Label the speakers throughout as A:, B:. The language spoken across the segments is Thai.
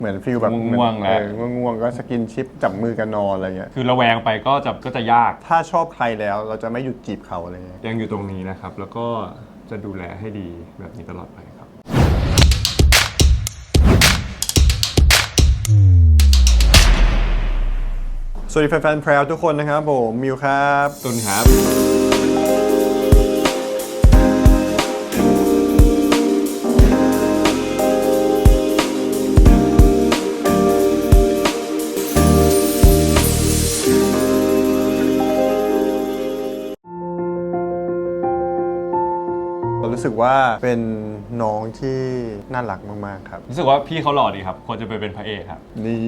A: เหมือนฟีลแบบ
B: ง่วงแล้ว
A: ง่วงก็สกินชิปจับมือกันนอนอะไรเงี้ย
B: คือระแวงไปก็จะยาก
A: ถ้าชอบใครแล้วเราจะไม่หยุดจีบเขาอะไรเงี้ย
B: ยังอยู่ตรงนี้นะครับแล้วก็จะดูแลให้ดีแบบนี้ตลอดไปครับ
A: สวัสดีแฟนๆแพรวทุกคนนะครับผมมิวครับ
B: ตุนครับ
A: รู้สึกว่าเป็นน้องที่น่ารักมากๆครับ
B: รู้สึกว่าพี่เขาหล่อดีครับควรจะไปเป็นพระเอกครับ
A: นี่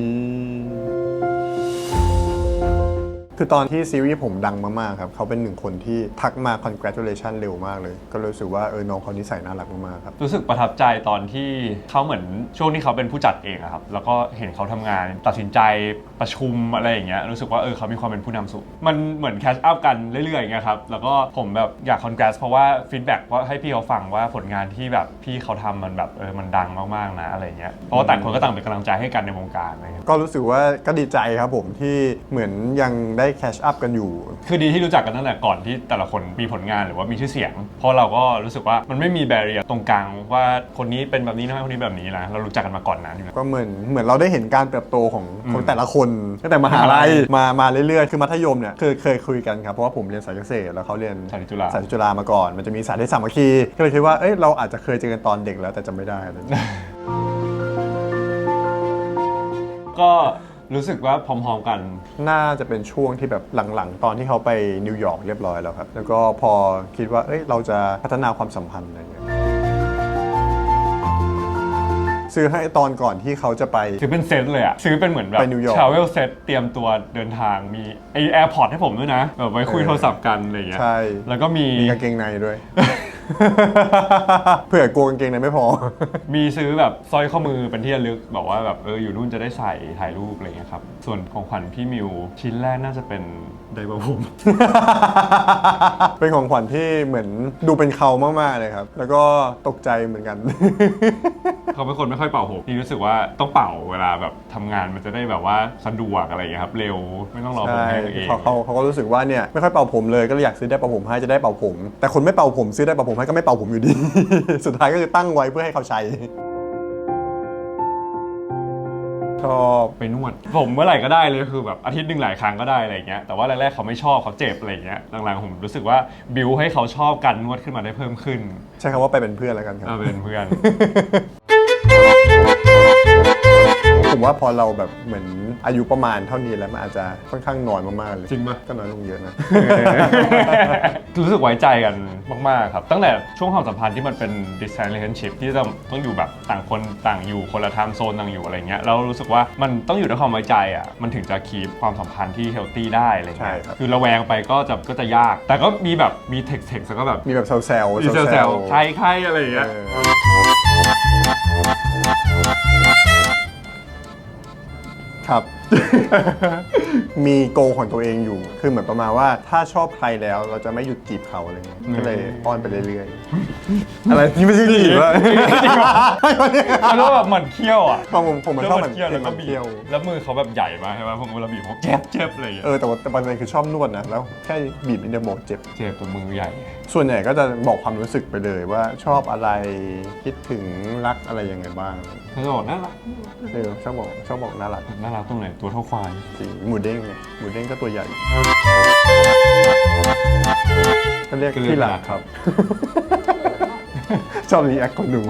A: คือตอนที่ซีรีส์ผมดังมากๆครับเขาเป็นหนึ่งคนที่ทักมา congratulation เร็วมากเลยก็รู้สึกว่าน้องเขานิสัยน่ารักมากๆครับ
B: รู้สึกประทับใจตอนที่เขาเหมือนช่วงที่เขาเป็นผู้จัดเองครับแล้วก็เห็นเขาทำงานตัดสินใจประชุมอะไรอย่างเงี้ยรู้สึกว่าเขามีความเป็นผู้นำสูงมันเหมือนแคชอัพกันเรื่อยๆอย่างเงี้ยครับแล้วก็ผมแบบอยาก congrats เพราะว่าฟีดแบ็กว่าให้พี่เขาฟังว่าผลงานที่แบบพี่เขาทำมันแบบมันดังมากๆนะอะไรเงี้ยเพราะว่าต่างคนก็ต่างเป็นกำลังใจให้กันในวงการอะไรเงี้ย
A: ก็รู้สึกว่าก็ดีใจครับผมที่เหมือนยังได้แคชอัพกันอยู่
B: คือดีที่รู้จักกันตั้งแต่ก่อนที่แต่ละคนมีผลงานหรือว่ามีชื่อเสียงเพราะเราก็รู้สึกว่ามันไม่มีแบเรียร์ตรงกลางว่าคนนี้เป็นแบบนี้นะคนนี้แบบนี้นะเรารู้จักกันมาก่อนนั้น
A: ก็เหมือนเราได้เห็นการเติบโตของแต่ละคนตั้งแต่มหาลัยมาเรื่อยๆคือมัธยมเนี่ยเคยคุยกันครับเพราะว่าผมเรียนสายเกษตรแล้วเขาเรียน
B: สายจุ
A: ฬามาก่อนมันจะมีสายที่สามัคคีก็เลยคิดว่าเราอาจจะเคยเจอกันตอนเด็กแล้วแต่จำไม่ได้เลย
B: ก็รู้สึกว่าพร้อมๆกัน
A: น่าจะเป็นช่วงที่แบบหลังๆตอนที่เขาไปนิวยอร์กเรียบร้อยแล้วครับแล้วก็พอคิดว่าเราจะพัฒนาความสัมพันธ์อะไรอย่างเงี้ยซื้อให้ตอนก่อนที่เขาจะไป
B: ซื้อเป็นเซตเลยอะซื้อเป็นเหมือนแบบ
A: ไปนิวยอร์ก
B: travel set เตรียมตัวเดินทางมีแอร์พอร์ตให้ผมด้วยนะแบบไว้คุยโทรศัพท์กันอะไรอย่างเงี้ย
A: ใช่
B: แล้วก็มี
A: กางเกงในด้วย เผื่อกลัวกางเกงในไม่พอ
B: มีซื้อแบบสร้อยข้อมือเป็นที่ระลึกบอกว่าแบบอยู่นู่นจะได้ใส่ถ่ายรูปอะไรอย่างเงี้ยครับส่วนของขวัญพี่มิวชิ้นแรกน่าจะเป็นไดร์ผม
A: เป็นของขวัญที่เหมือนดูเป็นเขามากๆเลยครับแล้วก็ตกใจเหมือนกัน
B: เขาเป็นคนไม่ค่อยเป่าผมพี่รู้สึกว่าต้องเป่าเวลาแบบทำงานมันจะได้แบบว่าสะดวกอะไรอย่างเงี้ยครับเร็วไม่ต้องรอผมแห้งเอง
A: เขาก็รู้สึกว่าเนี่ยไม่ค่อยเป่าผมเลยก็เลยอยากซื้อได้เป่าผมให้จะได้เป่าผมแต่คนไม่เป่าผมซื้อได้เป่าผมให้ก็ไม่เป่าผมอยู่ดี สุดท้ายก็คือตั้งไว้เพื่อให้เขาใช้ชอบ
B: ไปนวดผมเมื่อไหร่ก็ได้เลยคือแบบอาทิตย์หนึ่งหลายครั้งก็ได้อะไรอย่างเงี้ยแต่ว่าแรกๆเขาไม่ชอบเขาเจ็บอะไรอย่างเงี้ยหลังๆผมรู้สึกว่าบิวให้เขาชอบการนวดขึ้นมาได้เพิ่มขึ้น
A: ใช่คำว่าไปเป็นเพื่อนแล้วกันครับ
B: เป็นเพื่อน
A: ผมว่าพอเราแบบเหมือนอายุประมาณเท่านี้แล้วมันอาจจะค่อนข้างน้อยมากๆเลย
B: จริงปะ
A: ก็น้อยลงเยอะนะ
B: รู้สึกไว้ใจกันมากๆครับตั้งแต่ช่วงความสัมพันธ์ที่มันเป็น distance relationship ที่ต้องอยู่แบบต่างคนต่างอยู่คนละ time zone ต่างอยู่อะไรเงี้ยแล้วรู้สึกว่ามันต้องอยู่ด้วยความไว้ใจอ่ะมันถึงจะคีปความสัมพันธ์ที่ healthy ได้อะไรเงี้ยคือระแวงไปก็จะยากแต่ก็มีแบบมี text แล้วก็แบบ
A: มีแบบแซวๆ
B: ใครอะไรอย่างเงี้ย
A: ครับ มีโกของตัวเองอยู่คือเหมือนประมาณว่าถ้าชอบใครแล้วเราจะไม่หยุดจีบเขาอะไรเงี้ยก็เลยอ้อนไปเรื่อยๆอะไรนี่ไม่ใช่จีบวะ
B: มันก็แบบเหมือนเคี้ยวอ่ะ
A: ผมมันชอบเหมือนเคี้ยว
B: แล้วมือเขาแบบใหญ่มากใช่ไหมผมเวลาบีบผมเจ็บอะไรอย่างเงี้ย
A: แต่ประเด็นคือชอบนวดนะแล้วแค่บีบนิดเดียวเจ็บ
B: ตัวมือใหญ่
A: ส่วนใหญ่ก็จะบอกความรู้สึกไปเลยว่าชอบอะไรคิดถึงรักอะไรยังไงบ้าง
B: เขาจะบอกน่ารัก
A: ชอบบอกน่ารัก
B: ตรงไหนตัวเท่าควาย
A: จริงหมูเด้งไงหมูเด้งก็ตัวใหญ่ก็เรียกที่รักครับ ชอบรีแอคของหนู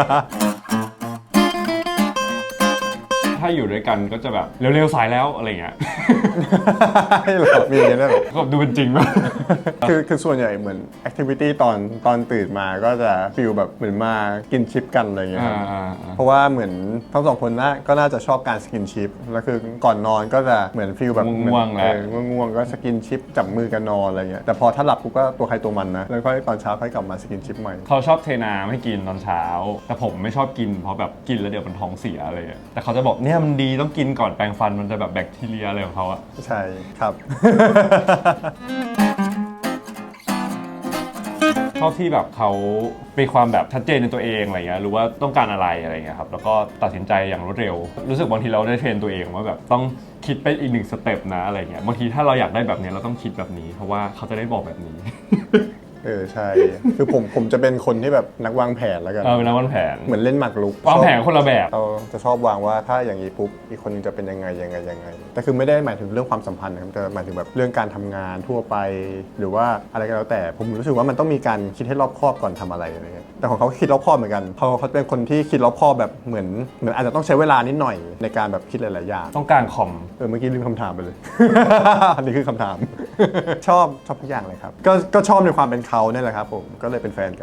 B: ถ้าอยู่ด้วยกันก็จะแบบเร็วๆสายแล้วอะไรเงี้ย
A: ให้หรอมีอย่างนี้ได้หรอ
B: ก็ดูเป็นจริงป่ะ
A: คือส่วนใหญ่เหมือนแอคทิวิตี้ตอนตื่นมาก็จะฟีลแบบเหมือนมากินชิปกันอะไรเงี้ยเพราะว่าเหมือนทั้งสองคนก็น่าจะชอบการสกินชิปแล้วคือก่อนนอนก็จะเหมือนฟีลแบบ
B: ง่วงแล้ว
A: ง่วงก็สกินชิปจับมือกันนอนอะไรเงี้ยแต่พอถ้าหลับกูก็ตัวใครตัวมันนะแล้วก็ตอนเช้าค่อยกลับมาสกินชิปใหม่
B: เขาชอบเทน้ำให้กินตอนเช้าแต่ผมไม่ชอบกินเพราะแบบกินแล้วเดี๋ยวมันท้องเสียอะไรแต่เขาจะบอกเนี่ยมันดีต้องกินก่อนแปรงฟันมันจะแบบแบคทีเรียอะไรของเขาอะ
A: ใช่ครับ
B: ชอบที่แบบเขามีความแบบชัดเจนในตัวเองอะไรเงี้ยรู้ว่าต้องการอะไรอะไรเงี้ยครับแล้วก็ตัดสินใจอย่างรวดเร็วรู้สึกบางทีเราได้เทรนตัวเองว่าแบบต้องคิดไปอีก1 สเต็ปนะอะไรเงี้ยบางทีถ้าเราอยากได้แบบนี้เราต้องคิดแบบนี้เพราะว่าเขาจะได้บอกแบบนี้
A: ใช่คือผมจะเป็นคนที่แบบนักวางแผนแล้วกัน
B: เป็นนักวางแผน
A: เหมือนเล่นหมากรุก
B: วางแผนคนละแบบ
A: เราจะชอบวางว่าถ้าอย่างนี้ปุ๊บอีกคนนึงจะเป็นยังไงแต่คือไม่ได้หมายถึงเรื่องความสัมพันธ์นะครับแต่หมายถึงแบบเรื่องการทำงานทั่วไป หรือว่าอะไรก็แล้วแต่ผมรู้สึกว่ามันต้องมีการคิดให้รอบคอบก่อนทำอะไรเงี้ยแต่ของเขาคิดรอบคอบเหมือนกันเขาเป็นคนที่คิดรอบคอบแบบเหมือนอาจจะต้องใช้เวลานิดหน่อยในการแบบคิดหลายๆอย่าง
B: ต้องการคอม
A: เมื่อกี้ลืมคำถามไปเลย อันนี้คือคำถาม ชอบทุกอย่างเลยครับก็ชอบในความเป็นเขาเนี่ยแหละครับผมก็เลยเป็นแฟนกัน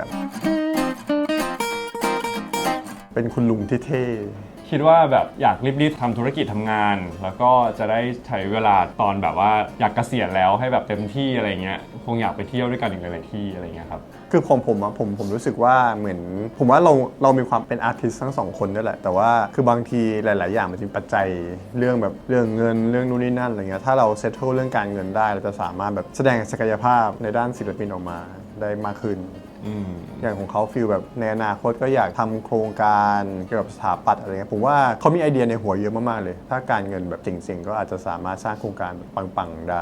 A: เป็นคุณลุงที่เท่
B: คิดว่าแบบอยากรีบๆทำธุรกิจทำงาน แล้วก็จะได้ใช้เวลาตอนแบบว่าอยากเกษียณแล้วให้แบบเต็มที่อะไรเงี้ยคงอยากไปเที่ยวด้วยกันอีกหลายๆที่อะไรเงี้ยครับ
A: คือผมรู้สึกว่าเหมือนผมว่าเรามีความเป็นอาร์ติสต์ทั้งสองคนด้วยแหละแต่ว่าคือบางทีหลายๆอย่างมันจะมีปัจจัยเรื่องแบบเรื่องเงินเรื่องนู่นนี่นั่นอะไรเงี้ยถ้าเราเซตเทิลเรื่องการเงินได้เราจะสามารถแบบแสดงศักยภาพในด้านศิลปินออกมาได้มากขึ้นอย่างของเขาฟีลแบบในอนาคตก็อยากทำโครงการเกี่ยวกับสถาปัตย์อะไรเงี้ยผมว่าเขามีไอเดียในหัวเยอะมากๆเลย ถ้าการเงินแบบเจ๋งๆก็อาจจะสามารถสร้างโครงการแบบปังๆได้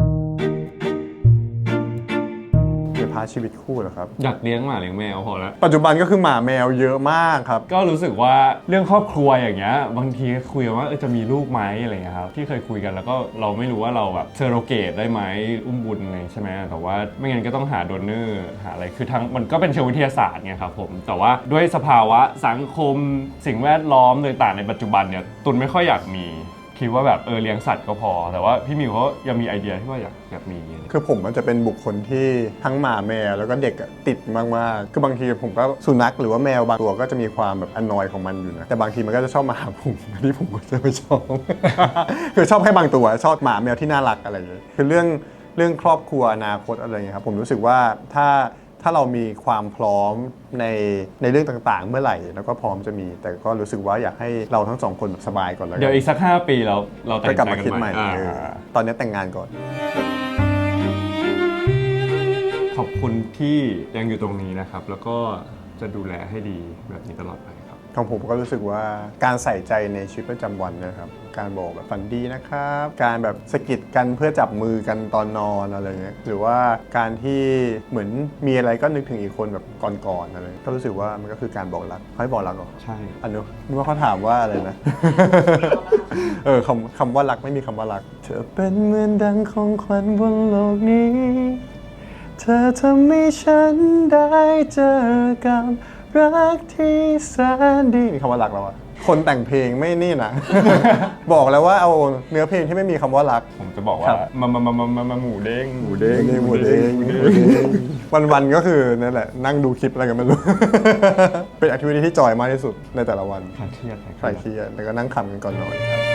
A: เดี๋ยวพาชีวิตคู่เหรอครับ
B: อยากเลี้ยงหมาเลี้ยงแมวพอแล้ว
A: ปัจจุบันก็คือหมาแมวเยอะมากครับ
B: ก็รู้สึกว่าเรื่องครอบครัวอย่างเงี้ยบางทีคุยกันว่าจะมีลูกไหมอะไรเงี้ยครับที่เคยคุยกันแล้วก็เราไม่รู้ว่าเราแบบเซอโรเกตได้ไหมอุ้มบุญอะไรใช่ไหมแต่ว่าไม่งั้นก็ต้องหาโดเนอร์หาอะไรคือทั้งมันก็เป็นเชิงวิทยาศาสตร์ไงครับผมแต่ว่าด้วยสภาวะสังคมสิ่งแวดล้อมต่างๆในปัจจุบันเนี่ยตุนไม่ค่อยอยากมีคิดว่าแบบเลี้ยงสัตว์ก็พอแต่ว่าพี่มิวเขายังมีไอเดียที่ว่าอยากมี
A: คือผมมันจะเป็นบุคคลที่ทั้งหมาแมวแล้วก็เด็กอะติดมากๆคือบางทีผมก็สุนัขหรือว่าแมวบางตัวก็จะมีความแบบอนอยของมันอยู่นะแต่บางทีมันก็จะชอบมาหาผมอันนี้ผมก็จะไม่ชอบ คือชอบแค่บางตัวชอบหมาแมวที่น่ารักอะไรอย่างเงี้ยคือเรื่องครอบครัวอนาคตอะไรอย่างเงี้ยครับผมรู้สึกว่าถ้าเรามีความพร้อมในเรื่องต่างๆ เมื่อไหร่แล้วก็พร้อมจะมีแต่ก็รู้สึกว่าอยากให้เราทั้งสองคนแบบสบายก่อนแล้วกัน
B: เดี๋ยวอีกสัก5 ปีเราแต่ง
A: ก็กลับ
B: ใจ
A: มา
B: กัน
A: คิด
B: ให
A: ให
B: ม่
A: ม่ตอนนี้แต่งงานก่อน
B: ขอบคุณที่ยังอยู่ตรงนี้นะครับ แล้วก็จะดูแลให้ดีแบบนี้ตลอดไปครับ
A: ของผมก็รู้สึกว่าการใส่ใจในชีวิตประจำวันนะครับการบอกแบบฝันดีนะครับการแบบสะกิดกันเพื่อจับมือกันตอนนอนอะไรเงี้ยหรือว่าการที่เหมือนมีอะไรก็นึกถึงอีกคนแบบก่อนๆอะไรก็รู้สึกว่ามันก็คือการบอกรักให้บอกรักเหรอ
B: ใช่
A: อันนู้นนึกว่าเขาถามว่าอะไรนะ คำว่ารักไม่มีคำว่ารักเธอเป็นเหมือนดังของขวัญบนโลกนี้เธอทำให้ฉันได้เจอกับรักที่แสนดีมีคำว่ารักแล้วอะคนแต่งเพลงไม่นี่นะ บอกแล้วว่าเอาเนื้อเพลงที่ไม่มีคำว่ารัก
B: ผมจะบอกว่ามาหมูเด้ง
A: หมูเด้งวันๆก็คือนั่นแหละนั่งดูคลิปอะไรกันไม่รู้ เป็นแอคทิวิตี้ที่จอยมากที่สุดในแต่ละวัน
B: คลายเครียด
A: คลายเครียดแล้วก็นั่งขำกันก่อนนอนครับ